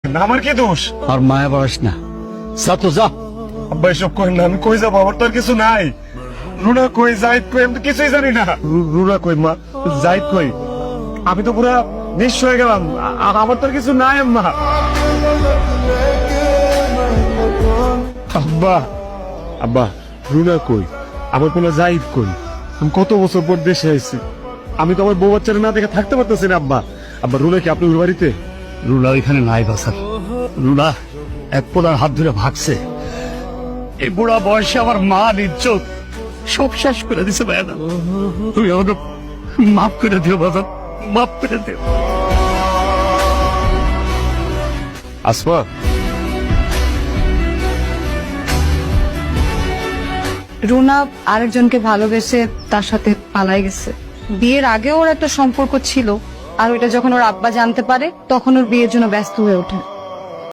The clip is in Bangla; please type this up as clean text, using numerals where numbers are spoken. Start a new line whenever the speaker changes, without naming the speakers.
আমার কি দোষ?
আর মায়া বাড়াস না, যা তো যা।
আব্বা এসব করেন না, আমি কই যাবো? আমার তো আর কিছু নাই। রুনা কই, জাহিদ কই, আমি তো কিছুই জানি না। রুনা কই মা, জাহিদ কই? আমি তো পুরা নিঃস্ব হয়ে গেলাম। আমার তো আর কিছু নাই আম্মা। আব্বা, আব্বা রুনা কই, আমার কোনো জাহিদ কই? আমি কত বছর পর দেশে আইছি, আমি তো আমার বউ বাচ্চারা না দেখে থাকতে পারতেছি না আব্বা। আব্বা রুনা কি আপনার বাড়িতে?
রুনা ওইখানে নাই বাসার। রুনা এক পোলার হাত ধরে ভাগছে। এই বুড়া বয়সে আমার মা ইজ্জত সব শেষ করে দিছে ভাইয়া। তুমি আমাকে মাফ করে দিও বাবা, মাফ করে দিও।
আসমা,
রুনা আরেকজনকে ভালোবেসে তার সাথে পালাই গেছে। বিয়ের আগে ওর একটা সম্পর্ক ছিল, আর ওইটা যখন ওর আব্বা জানতে পারে তখন ওর বিয়ের জন্য ব্যস্ত হয়ে ওঠে।